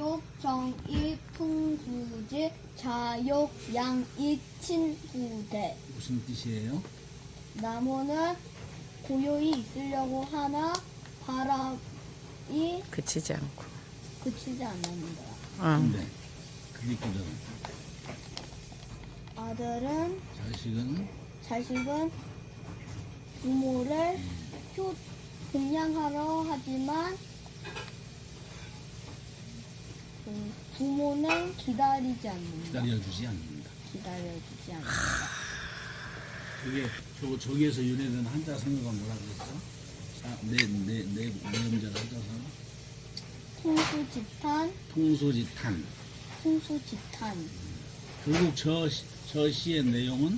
교육, 정의, 풍부지, 자욕, 양익, 친구대. 무슨 뜻이에요? 나무는 고요히 있으려고 하나 바람이 그치지 않고. 그치지 않는다. 응. 근데 그 뒷구절은 아들은 자식은 부모를 공양하려 하지만 부모는 기다리지 않는다. 기다려주지 않는다. 기다려주지 않는다. 그게 저기에서 유래된 한자 성어가 뭐라 그랬어? 네 음절 한자 성어? 통소지탄. 풍수지탄. 결국 저 시의 내용은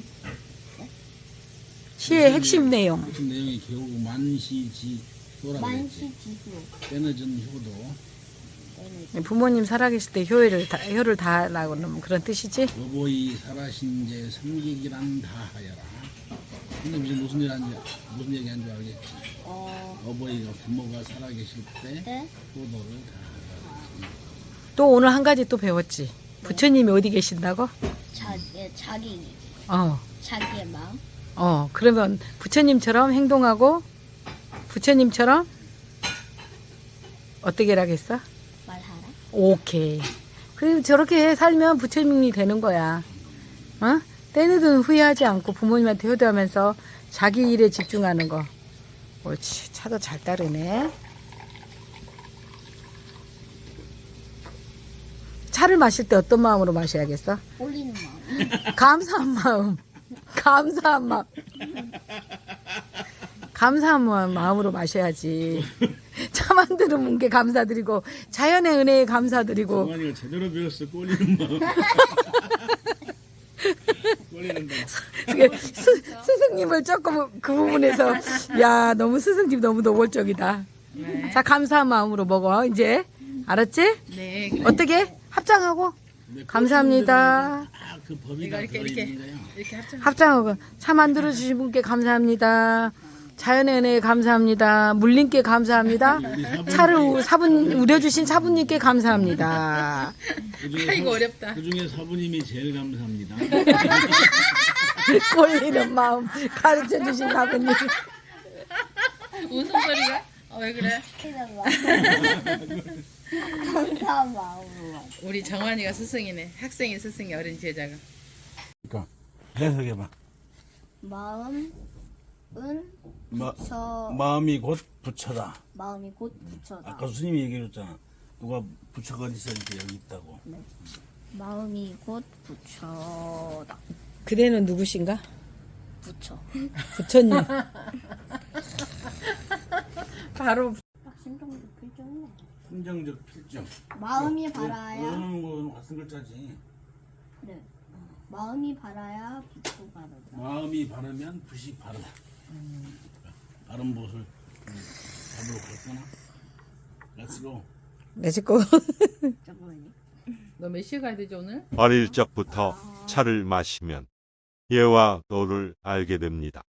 시의 핵심 내용. 핵심 내용이 결국 만시지효라고 했지. 만시지효. 빼내준 효도. 부모님 살아계실 때 효를 다하라고 그러면 그런 뜻이지? 여보이 살아신제 삼기기란 다하여라. 근데 무슨 얘기 한줄 알겠지? 어버이가 부모가 살아계실 때 네? 효도를 다하라. 또 오늘 한 가지 또 배웠지. 부처님이 어디 계신다고? 자기 어. 자기의 마음. 그러면 부처님처럼 행동하고 부처님처럼 어떻게 하겠어? 말하라. 오케이. 그리고 저렇게 살면 부처님이 되는 거야. 어? 때늦은 후회하지 않고 부모님한테 효도하면서 자기 일에 집중하는 거. 옳지. 차도 잘 따르네. 차를 마실 때 어떤 마음으로 마셔야겠어? 올리는 마음. 감사한 마음. 감사한 마음. 감사한 마음으로 마셔야지. 차 만드는 게 감사드리고 자연의 은혜에 감사드리고. 정환이가 제대로 배웠어. 꼴리는 마음. 꼴리는 마음. 스승님을 조금 그 부분에서 야 너무 스승님 너무 노골적이다. 네. 자 감사한 마음으로 먹어 이제 알았지? 네. 어떻게 합장하고 감사합니다. 그 법이 다 이렇게 들어있는 거야. 이렇게 합쳐. 합장하고 차 만들어 주신 분께 감사합니다. 자연의 은혜에 감사합니다. 물님께 감사합니다. 차를 우려주신 사부님께 감사합니다. 아이고 어렵다. 그 중에 사부님이 제일 감사합니다. 꼴리는 마음 가르쳐 주신 사부님. 웃음소리가? 왜 그래? 감사한 마음으로. 우리 정환이가 스승이네. 학생이 스승이 어린 제자가. 그러니까 해석해봐. 마음은 마음이 곧 부처다. 마음이 곧 부처다. 아까 스님이 얘기해줬잖아. 누가 부처가 어디 있었는데 여기 있다고. 네. 마음이 곧 부처다. 그대는 누구신가? 부처. 부처님. 바로 심정적 필정이네. 심정적 필정. 마음이 바라야. 이러는 거는 같은 글자지. 네. 마음이 바라야 빛도 바르다. 마음이 바르면 붓이 바르다. 바른 붓을 잡으러 갔구나. 렛츠고. 내짓고 잠깐만요. 너 몇 시에 가야 되지 오늘? 어릴 적부터 차를 마시면 예와 도를 알게 됩니다.